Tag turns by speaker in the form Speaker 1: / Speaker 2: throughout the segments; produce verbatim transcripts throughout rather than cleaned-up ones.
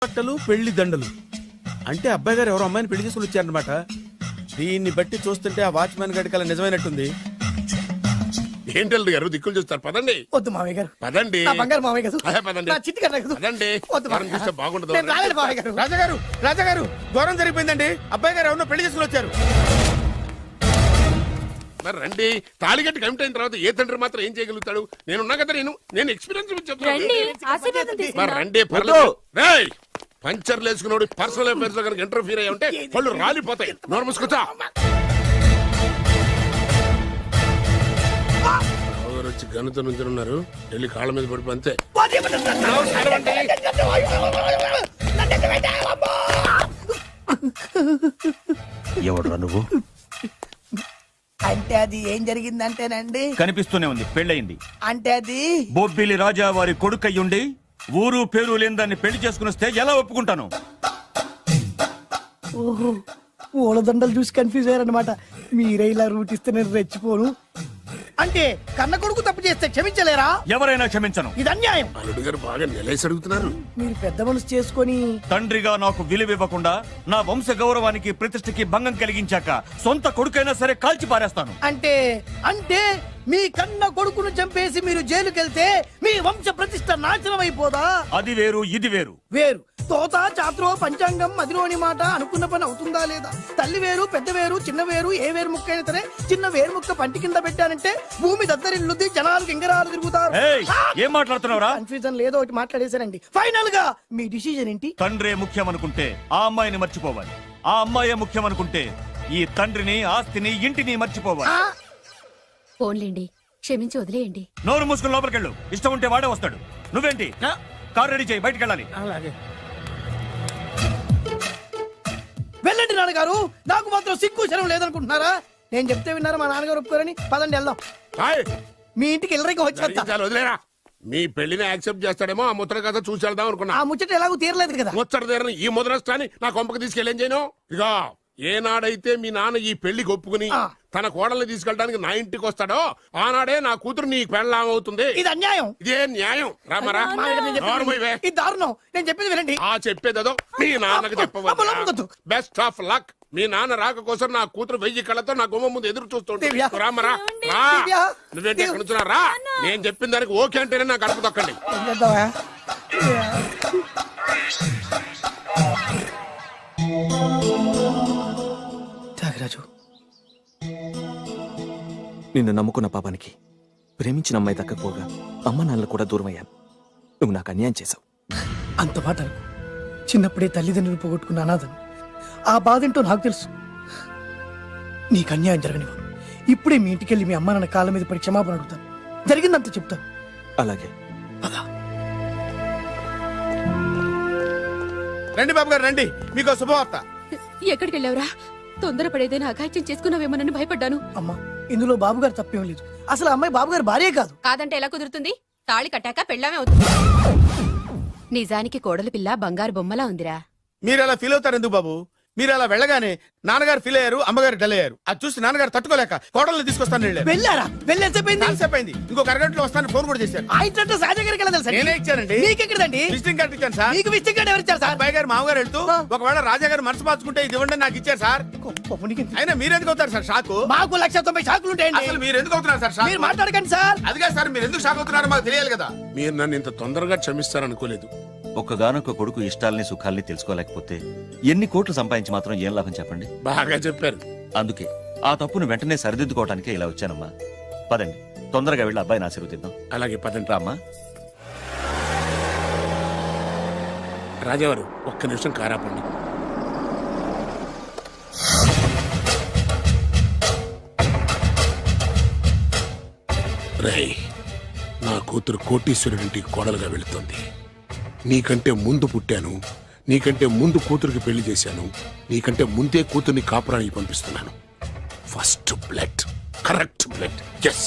Speaker 1: బట్టలు పెళ్లి దండలు అంటే అబ్బాయి గారు ఎవరో అమ్మాయిని పెళ్లి చేసుకుని వచ్చారనమాట. దీన్ని బట్టి చూస్తుంటే ఆ వాచ్మెన్ గడి కల నిజమైనట్టుంది.
Speaker 2: ఏంటల్లుడు గారు దిక్కులు చూస్తారు, పదండి.
Speaker 3: వద్దు మామయ్య గారు,
Speaker 2: పదండి.
Speaker 3: నా బంగారు మామయ్య గారు,
Speaker 2: అదే పదండి.
Speaker 3: నా చిట్టి గారు వద్దు.
Speaker 2: పదండి.
Speaker 3: వద్దు
Speaker 2: మనం
Speaker 3: మామయ్య.
Speaker 2: చూస్తే బాగుండదు.
Speaker 3: నేను రాలేను మామయ్య గారు.
Speaker 1: రాజాగారు రాజాగారు ఘోరం జరిగిపోయిందండి. అబ్బాయి గారు ఎవరినో పెళ్లి చేసుకుని వచ్చారు.
Speaker 2: మరి రండి. తాళిగట్టి కమిట్ అయిన తర్వాత ఏ తండ్రి మాత్రం ఏం చేయగలుగుతాడు? నేనున్నా కదా, నేను నేను ఎక్స్పీరియన్స్ చెప్తాను. మరి రండి, పర్లేదు. రేయ్, పంచర్లు వేసుకున్నాడు పర్సనల్ అఫైర్స్ లో కనుక ఇంటర్ఫీర్ అయ్యి ఉంటే వాళ్ళు రాలిపోతాయి. నోరు మూసుకుంటా. వచ్చి గనుతో నుంచి ఉన్నారు, వెళ్ళి కాళ్ళ మీద పడిపో అంతే.
Speaker 4: ఎవడురా నువ్వు?
Speaker 3: అంటే అది ఏం జరిగిందంటేనండి,
Speaker 4: కనిపిస్తూనే ఉంది, పెళ్ళయింది.
Speaker 3: అంటే అది
Speaker 4: బొబ్బిలి రాజా వారి కొడుకయ్యుండి ఊరు పేరు లేని దాన్ని పెళ్లి చేసుకుని వస్తే ఎలా ఒప్పుకుంటాను?
Speaker 3: ఓహో, పూలదండలు చూసి కన్ఫ్యూజ్ అయ్యారనమాట. మీరే ఇలా రూట్ ఇస్తే నేను రెచ్చిపోను. అంటే కన్న కొడుకు తప్పు చేస్తే క్షమించలేరా?
Speaker 4: ఎవరైనా క్షమించను.
Speaker 3: ఇది అన్యాయం.
Speaker 2: అల్లుడు గారు బాగా నిలేసి అడుగుతున్నారు.
Speaker 3: మీరు పెద్ద మనసు చేసుకొని
Speaker 4: తండ్రిగా నాకు విలువ ఇవ్వకుండా నా వంశ గౌరవానికి ప్రతిష్టకి భంగం కలిగించాక సొంత కొడుకైనా సరే కాల్చి పారేస్తాను.
Speaker 3: అంటే అంటే మీ కన్న కొడుకును చంపేసి మీరు జైలుకెళ్తే మీ వంశ ప్రతిష్ట నాశనం అయిపోదా?
Speaker 4: అది వేరు, ఇది వేరు.
Speaker 3: వేరు. తోత చాత్రో పంచాంగం మదిలోని మాట అనుకున్న పని అవుతుందా లేదా? తల్లి వేరు, పెద్ద వేరు, చిన్న వేరు, ఏ వేరు ముక్క అయినా సరే చిన్న వేరు ముక్క పంటి కింద పెట్టానంటే భూమి దద్దరిల్లుద్ది, జనాలు గింగరాలు తిరుగుతారు.
Speaker 4: ఏయ్, ఏం మాట్లాడుతున్నావురా?
Speaker 3: కన్ఫ్యూజన్ లేదో ఒకటి మాట్లాడేశారండి. ఫైనల్ గా మీ డిసిజన్ ఏంటి?
Speaker 4: తండ్రే ముఖ్యం అనుకుంటే ఆ అమ్మాయిని మర్చిపోవాలి. ఆ అమ్మాయే ముఖ్యం అనుకుంటే ఈ తండ్రిని, ఆస్తిని, ఇంటిని మర్చిపోవాలి.
Speaker 5: ఫోన్లేండి, క్షమించి వదిలేయండి.
Speaker 4: నోరు మూసుకుని లోపలికెళ్ళు. ఇష్టం ఉంటే వాడే వస్తాడు. నువ్వేంటి? కార్ రెడీ చేయి, బయటికి వెళ్ళాలి.
Speaker 1: అలాగే
Speaker 3: వెళ్ళండి నాన్నగారు. నాకు మాత్రం సిగ్గు శరం లేదనుకుంటున్నారా? నేను చెప్తే విన్నారా మా నాన్నగారు ఒప్పుకోరని? పదండి వెళ్దాం.
Speaker 2: హాయ్,
Speaker 3: మీ ఇంటికి ఎల్లరికి వచ్చేస్తా.
Speaker 2: చాలు వదిలేరా. మీ పెళ్లిని యాక్సెప్ట్ చేస్తాడేమో ఆ ముద్ర కథ చూసి వెళ్దాం అనుకున్నా.
Speaker 3: ఆ ముచ్చట ఎలాగో తీరలేదు కదా.
Speaker 2: ముచ్చట తీరని ఈ ముద్రష్టాన్ని నా కొంపకి తీసుకెళ్ళేం చేయను. ఇక ఏనాడైతే మీ నాన్న ఈ పెళ్లికి ఒప్పుకుని తన కోడల్ని తీసుకెళ్ళడానికి నా ఇంటికి వస్తాడో ఆనాడే నా కూతురు నీ పెళ్ళాం అవుతుంది.
Speaker 3: ఇది అన్యాయం.
Speaker 2: ఇదే న్యాయం. రామరా,
Speaker 3: ఇది దారుణం. నేను చెప్పేది వినండి.
Speaker 2: ఆ చెప్పేదో మీ నాన్నకు చెప్పవద్దు. Best of luck. మీ నాన్న రాక కోసం నా కూతురు వెయ్యి కళ్ళతో నా గుమ్మ ముందు ఎదురు చూస్తుంటే రామరా రా. నువ్వేంటి ఎక్కడ నుంచున్నా రా. నేను చెప్పిన దానికి ఓకే అంటేనే నా గడప తొక్కండి.
Speaker 3: త్యాగరాజు,
Speaker 6: నిన్ను నమ్ముకున్న పాపానికి ప్రేమించిన అమ్మాయి దక్కకపోగా అమ్మ నాన్నలు కూడా దూరం అయ్యాను. నువ్వు నాకు అన్యాయం చేశావు.
Speaker 3: అంత మాట అనుకో. చిన్నప్పుడే తల్లిదండ్రులు పోగొట్టుకున్న అనాథను. ఆ బాధ ఏంటో నాకు తెలుసు. నీకు అన్యాయం జరగనివ్వను. ఇప్పుడే మీ ఇంటికెళ్ళి మీ అమ్మ నాన్న కాళ్ళ మీద పడి క్షమాపణ అడుగుతాను. జరిగిందంత చెప్తాను.
Speaker 6: అలాగే.
Speaker 1: రండి బాబు గారు రండి, మీకు శుభవార్త.
Speaker 5: ఎక్కడికి వెళ్ళావురా? తొందరపడేదైనా అఘాయిత్యం చేసుకున్నావేమోనని భయపడ్డాను.
Speaker 3: అమ్మా, ఇందులో బాబు గారు తప్పేం లేదు. అసలు ఆ అమ్మాయి బాబు గారు భార్యే కాదు.
Speaker 5: కాదంటే ఎలా కుదురుతుంది? తాళి కట్టాక పెళ్ళామే అవుతుంది. నిజానికి కోడలి పిల్ల బంగారు బొమ్మలా ఉందిరా.
Speaker 1: మీరు అలా ఫీల్ అవుతారు ఎందుకు బాబు? మీరు అలా వెళ్ళగానే నాన్నగారు ఫీల్ అయ్యారు, అమ్మగారు డల్ అయ్యారు. అది చూసి నాన్నగారు తట్టుకోలేక కోడల్ని తీసుకొస్తాను వెళ్ళారు.
Speaker 3: వెళ్ళారా? వెళ్ళేసేపోయింది.
Speaker 1: అయింది. ఇంకొక అరగంటలో వస్తాను ఫోన్ కూడా చేశారు.
Speaker 3: ఆ ఇంట్లో సాజా గారికి ఎలా తెలుసా?
Speaker 1: నేనే ఇచ్చానండి.
Speaker 3: మీకెక్కడండి?
Speaker 1: విజిటింగ్ కార్డు ఇచ్చాను సార్.
Speaker 3: మీకు విజిటింగ్ కార్డు ఎవరు ఇచ్చారు సార్?
Speaker 1: అబ్బాయి గారు మామగారు వెళ్తూ ఒకవేళ రాజా గారు మనసు మార్చుకుంటే ఇది ఇవ్వండి నాకు ఇచ్చారు సార్. అయినా మీరు ఎందుకు అవుతారు సార్ షాక్?
Speaker 3: మాకు లక్ష తొంభై షాకులు ఉంటాయండి.
Speaker 1: అసలు మీరు ఎందుకు అవుతున్నారు సార్ షాక్?
Speaker 3: మీరు మాట్లాడకండి సార్.
Speaker 1: అదిగా సార్, మీరు ఎందుకు షాక్ అవుతున్నారో మాకు తెలియాలి కదా.
Speaker 2: మీరు నన్ను ఇంత తొందరగా క్షమిస్తారనుకోలేదు.
Speaker 4: ఒక్కగానొక్క కొడుకు ఇష్టాల్ని సుఖాల్ని తెలుసుకోలేకపోతే ఎన్ని కోట్లు సంపాదించి మాత్రం ఏం లాభం చెప్పండి?
Speaker 2: బాగా చెప్పారు.
Speaker 4: అందుకే ఆ తప్పును వెంటనే సరిదిద్దుకోవటానికే ఇలా వచ్చానమ్మా. పదండి, తొందరగా వెళ్ళి అబ్బాయిని ఆశీర్వదిద్దాం.
Speaker 2: అలాగే పదండి.
Speaker 4: రామ్మా.
Speaker 2: రాజావారు ఒక్క నిమిషం కారాపండి. రేయ్, నా కూతురు కోటీశ్వరుడింటికి కోడలుగా వెళుతుంది. నీకంటే ముందు పుట్టాను, నీకంటే ముందు కూతురికి పెళ్లి చేశాను, నీకంటే ముందే కూతుర్ని కాపురానికి పంపిస్తున్నాను. First blood, correct blood. Yes.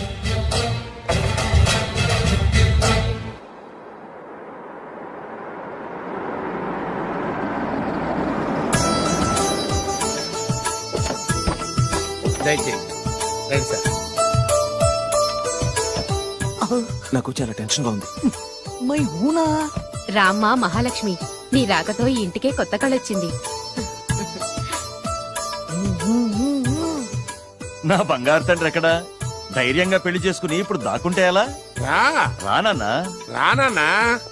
Speaker 1: దయచేయండి రండి సార్.
Speaker 6: నాకు చాలా టెన్షన్ గా ఉంది.
Speaker 3: మై హూనా
Speaker 5: రామ్మ మహాలక్ష్మి నీ రాకతో ఈ ఇంటికే కొత్త కళొచ్చింది.
Speaker 4: నా బంగారు తండ్రి ఎక్కడా? ధైర్యంగా పెళ్లి చేసుకుని ఇప్పుడు దాక్కుంటే ఎలా?
Speaker 2: రా
Speaker 4: రానన్నా.
Speaker 2: రానా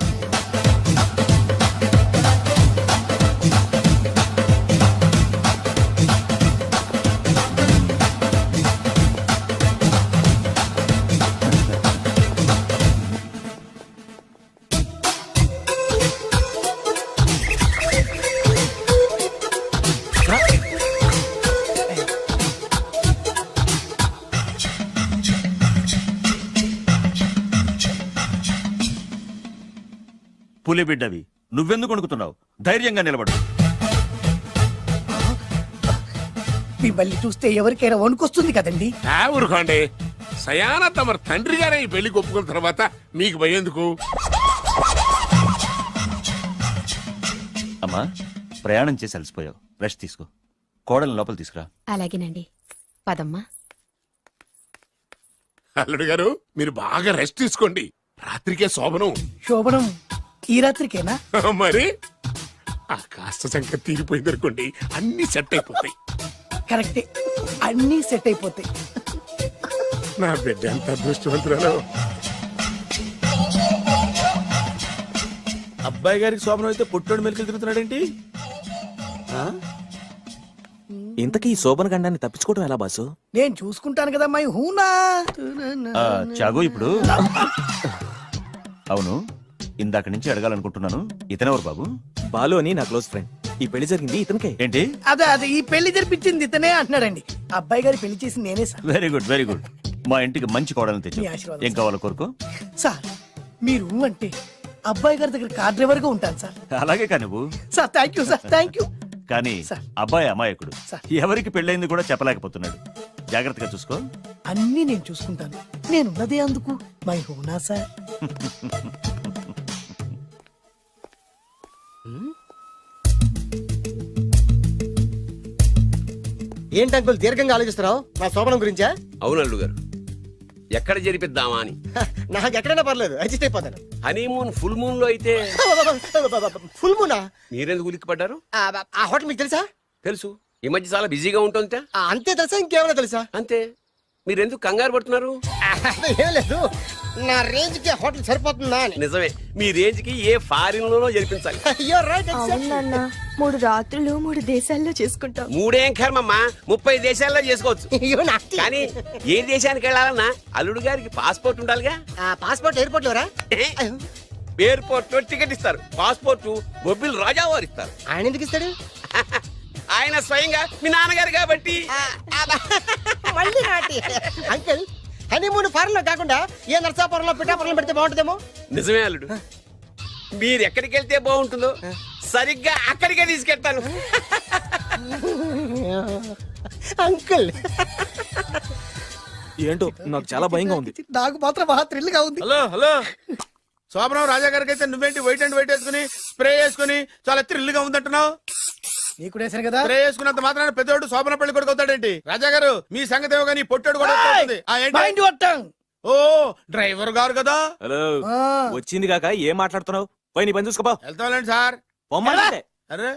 Speaker 4: పులి బిడ్డవి, నువ్వెందుకు వణుకుతున్నావు? ధైర్యంగా నిలబడు.
Speaker 3: మిమ్మల్ని చూస్తే ఎవరికైనా వణుకొస్తుంది కదండి.
Speaker 2: ఆ ఊరుకోండి. సయాన తమ తండ్రి గారే ఈ పెళ్లికి ఒప్పుకున్న తర్వాత మీకు భయందుకు?
Speaker 4: అమ్మా, ప్రయాణం చేసి అలసిపోయావు, రెస్ట్ తీసుకో. కోడలు లోపల తీసుకురా.
Speaker 5: అలాగేనండి, పదమ్మా.
Speaker 2: అల్లుడు గారు మీరు బాగా రెస్ట్ తీసుకోండి. రాత్రికే శోభనం.
Speaker 3: శోభనం ఈ రాత్రికేనా?
Speaker 2: మరి ఆ కాస్త సంఖ్య తీరిపోయింది అనుకోండి, అన్ని సెట్ అయిపోతాయి.
Speaker 3: కరెక్టే, అన్నీ సెట్ అయిపోతాయి.
Speaker 2: నా బిడ్డ ఎంత అదృష్టవంతురాలు.
Speaker 1: అబ్బాయి గారికి శోభనం అయితే పుట్టోడు మెలికలు తిరుగుతున్నాడేంటి? ఆ?
Speaker 6: ఇంతకీ ఈ శోభన గండాన్ని తప్పించుకోవడం ఎలా బాసు?
Speaker 3: నేను చూసుకుంటాను కదా మై హూనా.
Speaker 4: ఆ, చాగు ఇప్పుడు. అవును, ఇందాక నుంచి అడగాలనుకుంటున్నాను, ఇతనెవరు బాబు?
Speaker 6: బాలు అని నా క్లోజ్ ఫ్రెండ్. ఈ పెళ్లి జరిగింది ఇతనికే.
Speaker 4: ఏంటి?
Speaker 3: అదే అదే ఈ పెళ్లి జరిపించింది ఇతనే అంటున్నాడండి. అబ్బాయి గారి పెళ్లి చేసింది నేనే sir.
Speaker 4: Very good, very good. మా ఇంటికి మంచి కోడలను తెచ్చు.
Speaker 3: మీ ఆశీర్వాదం,
Speaker 4: ఏం కావాలో కోరుకో.
Speaker 3: సార్ మీరు అంటే అబ్బాయి గారి దగ్గర కార్ డ్రైవర్ గా ఉంటాను సార్.
Speaker 4: అలాగే కానీ నువ్వు.
Speaker 3: Sir thank you sir, thank you.
Speaker 4: కానీ
Speaker 3: సార్.
Speaker 4: అబ్బాయి అమాయకుడు,
Speaker 3: సార్.
Speaker 4: ఎవరికి పెళ్ళైంది కూడా చెప్పలేకపోతున్నాడు. జాగ్రత్తగా చూసుకో.
Speaker 3: అన్నీ నేను చూసుకుంటాను. నేనున్నదే అందుకు మై హూనా సార్.
Speaker 7: ఏంటి అంకుల్ దీర్ఘంగా ఆలోచిస్తున్నావు? నా శోభనం గురించా?
Speaker 8: అవును అల్లు గారు, ఎక్కడ జరిపిద్దామా అని.
Speaker 7: హ, నాకు ఎక్కడైనా పర్లేదు, అడ్జస్ట్ అయిపోతాను.
Speaker 8: హనీమూన్ ఫుల్ మూన్ లో అయితే
Speaker 7: ఫుల్ మూనా?
Speaker 8: మీరెందుకు ఉలిక్కిపడ్డారు?
Speaker 7: ఆ, ఆ హోటల్ మీకు తెలుసా?
Speaker 8: తెలుసు, ఈ మధ్య చాలా బిజీగా ఉంటుంది.
Speaker 7: ఆ, అంతే తెలుసా, ఇంకేమైనా తెలుసా?
Speaker 8: అంతే. మీరెందుకు కంగారు పడుతున్నారు?
Speaker 7: ఆ, ఏం లేదు, నా రేంజ్ కి హోటల్ సరిపోతుందా అని.
Speaker 8: నిజమే, మీ రేంజ్ కి ఏ ఫారిన్ లోనో జరిపించాలి.
Speaker 7: You're right, exactly.
Speaker 9: అవునన్నా, మూడు రాత్రులు మూడు దేశాల్లో చేసుకుంటాం.
Speaker 8: మూడేం కర్మమ్మా, ముప్పై దేశాల్లో చేసుకోవచ్చు.
Speaker 7: You nasty.
Speaker 8: కానీ ఏ దేశానికి వెళ్ళాలన్నా అల్లుడు గారికి పాస్పోర్ట్ ఉండాలిగా.
Speaker 7: ఆ, పాస్పోర్ట్ ఎయిర్పోర్ట్ లోరా?
Speaker 8: ఎయిర్పోర్ట్ లో టికెట్ ఇస్తారు, పాస్పోర్ట్ బొబ్బిల్ రాజా వారు ఇస్తారు.
Speaker 7: ఆయన ఎందుకు ఇస్తాడు?
Speaker 8: ఆయన స్వయంగా మీ నాన్నగారు కాబట్టి.
Speaker 7: ఆ, ఆ, మళ్ళీ నాటి అంకుల్, హనీమూన్ ఫారెన్ లో కాకుండా ఏ నర్సాపురంలో పిఠాపురంలో పెడితే బాగుంటుందేమో.
Speaker 8: నిజమే అల్లుడు, మీరు ఎక్కడికి వెళ్తే బాగుంటుందో సరిగ్గా అక్కడికే తీసుకెళ్తాను.
Speaker 7: అంకుల్
Speaker 6: ఏంటో నాకు చాలా భయంగా ఉంది.
Speaker 3: నాకు మాత్రం బాగా థ్రిల్ గా ఉంది.
Speaker 1: హలో హలో, శోభనం రాజా గారికి అయితే నువ్వేంటి వైట్ అండ్ వైట్ వేసుకుని స్ప్రే వేసుకుని చాలా థ్రిల్ గా ఉందంటున్నావు?
Speaker 3: నీకు వేసాను కదా.
Speaker 1: స్ప్రే వేసుకున్నంత మాత్రాన పెద్దోడు శోభన పెళ్లి కొడుకు అవుతాడేంటి? రాజా గారు మీ సంగతి ఏమో కానీ పొట్టోడు కూడా అవుతుంది. ఆ, ఏంటి?
Speaker 3: Mind your tongue.
Speaker 1: ఓ డ్రైవర్ గారు కదా.
Speaker 6: హలో,
Speaker 3: ఆ.
Speaker 6: వచ్చింది కాక ఏం మాట్లాడుతున్నావు? పోయి నీ పని చూసుకోపో.
Speaker 1: వెళ్తాంలేండి సార్.
Speaker 6: పొమ్మంటే.
Speaker 1: అరే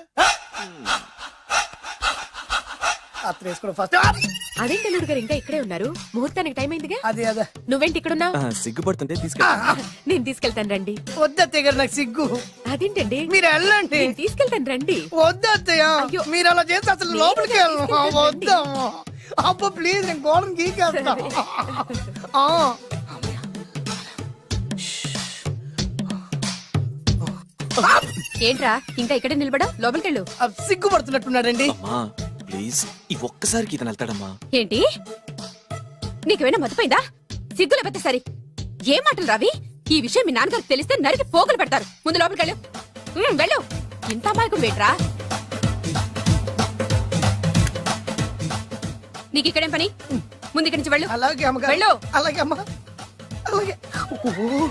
Speaker 3: అత్త వేసుకోవడం ఫస్ట్.
Speaker 5: అదేంటి అల్లుడు గారు ఇంకా ఇక్కడే ఉన్నారు? ముహూర్తానికి టైం అయిందిగా.
Speaker 3: అదే అదే
Speaker 5: నువ్వేంటి ఇక్కడున్నావు?
Speaker 6: ఆ, సిగ్గుపడుతుంటే తీసుకెళ్ళి.
Speaker 5: నేను తీసుకెళ్తాను రండి.
Speaker 3: వద్దత్తయ్య గారు, నాకు సిగ్గు.
Speaker 5: అదేంటండి?
Speaker 3: మీరు వెళ్ళండి.
Speaker 5: నేను తీసుకెళ్తాను రండి.
Speaker 3: వద్దత్తయ్య,
Speaker 5: అయ్యో.
Speaker 3: మీరు అలా చేస్తే అసలు
Speaker 5: నేను
Speaker 3: లోపలికి వెళ్ళను.
Speaker 5: తీసుకెళ్తాను.
Speaker 3: వద్దమ్మా, అబ్బా ప్లీజ్, నేను గోడను గీకేస్తా. ఆ.
Speaker 5: ఏంట్రా ఇంకా ఇక్కడే నిలబడా? లోపలికెళ్ళు.
Speaker 3: ఆ, సిగ్గుపడుతున్నట్టున్నాడండి.
Speaker 6: అమ్మా ప్లీజ్, ఈ ఒక్కసారికి ఇతను వెళ్తాడమ్మా.
Speaker 5: ఏంటి? నీకేమైనా మతిపోయిందా? సిగ్గులు పెద్ద సరి. ఏం మాటలు రావి? ఈ విషయం మీ నాన్నగారికి తెలిస్తే నరికి పోగులు పెడతారు. ముందు లోపలికెళ్ళు. ఉమ్, వెళ్ళు. ఇంత అమాయకం వేట్రా? నీకు ఇక్కడేం పని? ముందు ఇక్కడి నుంచి వెళ్ళు.
Speaker 3: అలాగే అమ్మగారు.
Speaker 5: వెళ్ళు.
Speaker 3: అలాగే అమ్మా, అలాగే. ఓ.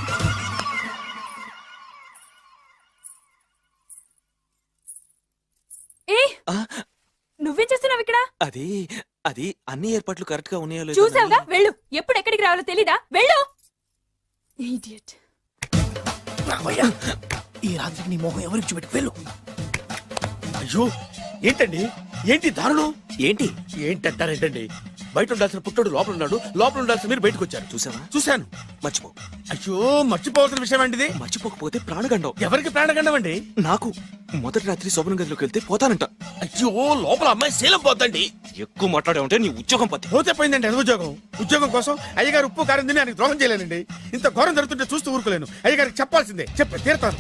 Speaker 9: ఏ
Speaker 6: ఆ,
Speaker 9: నువ్వేం చేస్తున్నావు ఇక్కడ?
Speaker 6: అది అది అన్ని ఏర్పాట్లు కరెక్ట్ గా ఉన్నాయో లేదో
Speaker 9: చూసావుగా,
Speaker 6: అని-
Speaker 9: వెళ్ళు. ఎప్పుడు ఎక్కడికి రావాలో తెలీదా? వెళ్ళు. Idiot.
Speaker 3: రామయ్య, ఈ రాత్రికి నీ మొహం ఎవరికి చూపెట్టు వెళ్ళు.
Speaker 1: అయ్యో ఏంటండి ఏంటి దారుణం
Speaker 6: ఏంటి
Speaker 1: ఏంటంటారేంటండి బయట ఉండాల్సిన పుట్టోడు లోపల ఉన్నాడు లోపల ఉండాల్సిన మీరు బయటకు వచ్చారు
Speaker 6: చూసావా
Speaker 1: చూశాను
Speaker 6: మర్చిపో
Speaker 1: అయ్యో మర్చిపోవాల్సిన విషయం అండి
Speaker 6: మర్చిపోకపోతే ప్రాణగండం
Speaker 1: ఎవరికి ప్రాణగండం అండి
Speaker 6: నాకు మొదటి రాత్రి శోభన గదిలోకి వెళ్తే పోతానంట.
Speaker 1: అయ్యో లోపల అమ్మాయి శీలం పోద్దండి
Speaker 6: ఎక్కువ మాట్లాడే ఉంటే నీ ఉద్యోగం పత్తి.
Speaker 1: పోతే పోయిందండి అది ఉద్యోగం ఉద్యోగం కోసం అయ్యగారు ఉప్పు కారం తిని ఆయనకు ద్రోహం చేయలేనండి ఇంత ఘోరం జరుగుతుంటే చూస్తూ ఊరుకోలేను అయ్యగారికి చెప్పాల్సిందే చెప్పి తీరుతాను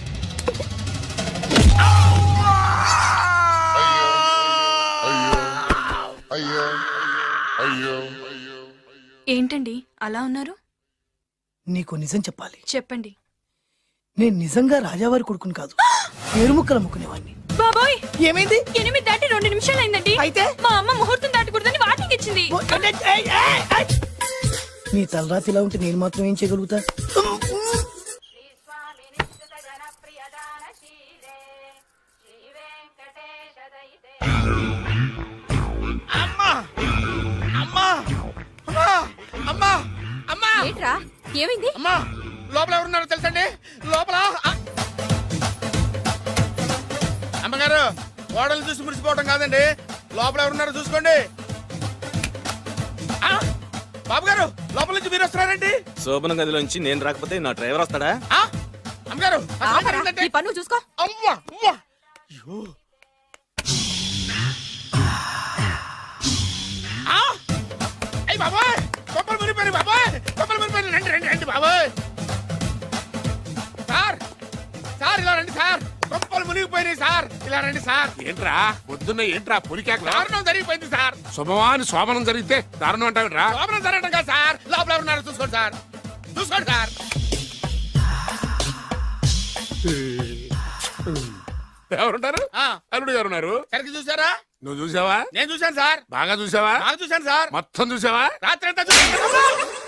Speaker 9: ఏంటండి అలా ఉన్నారు?
Speaker 3: నీకు నిజం చెప్పాలి.
Speaker 9: చెప్పండి.
Speaker 3: నేను నిజంగా రాజావారి కొడుకుని కాదు పేరుముక్కలు అమ్ముకునేవాడిని.
Speaker 9: బాబోయ్,
Speaker 3: ఏమైంది?
Speaker 9: ఎనిమిది దాటి రెండు నిమిషాలు అయిందండి.
Speaker 3: అయితే
Speaker 9: మా అమ్మ ముహూర్తం దాటకూడదని వార్నింగ్ ఇచ్చింది.
Speaker 3: నీ తలరాతి ఇలా ఉంటే నేను మాత్రం ఏం చేయగలుగుతా?
Speaker 1: అమ్మా అమ్మా అమ్మా అమ్మా అమ్మా
Speaker 5: ఏంట్రా ఏమైంది?
Speaker 1: అమ్మా లోపల ఎవరున్నారో తెలుసండి లోపల ఆ! అమ్మగారు ఓడలు చూసి మురిసిపోవడం కాదండి లోపల ఎవరున్నారో చూసుకోండి ఆ! బాబు గారు లోపల నుంచి మీరు వస్తున్నారండి
Speaker 6: శోభన గదిలోంచి నేను రాకపోతే నా డ్రైవర్ వస్తాడా?
Speaker 1: ఆ! అమ్మగారు ఆ సౌండ్
Speaker 5: ఆపరా,
Speaker 1: ఏంటంటే?
Speaker 5: నీ పన్ను చూసుకో.
Speaker 1: అమ్మా అమ్మా అయ్యో ఆ! అయ్ బాబాయ్ కొప్పలు మునిపోయి బాబాయ్ కొప్పలు మునిపోయి రండి రండి రండి బాబాయ్ సార్ సార్ ఇలా రండి సార్ కొప్పలు మునిగిపోయినాయి సార్ ఇలా రండి సార్
Speaker 2: ఏంట్రా పొద్దున్న ఏంట్రా పొలికేకలా
Speaker 1: దారుణం జరిగిపోయింది సార్
Speaker 2: శుభమాని శోభనం జరిగితే దారుణం అంటావిట్రా
Speaker 1: లోపల జరగడం కాదు సార్ లోపల ఎవరున్నారో చూసుకోండి సార్ చూసుకోండి సార్
Speaker 2: ఎవరుంటారు
Speaker 1: ఆ,
Speaker 2: అల్లుడు గారు ఉన్నారు.
Speaker 1: సరిగ్గా చూసారా
Speaker 2: నువ్వు చూసావా?
Speaker 1: నేను చూశాను సార్
Speaker 2: బాగా చూసావా?
Speaker 1: బాగా చూశాను సార్
Speaker 2: మొత్తం చూసావా?
Speaker 1: రాత్రి అంతా చూశాను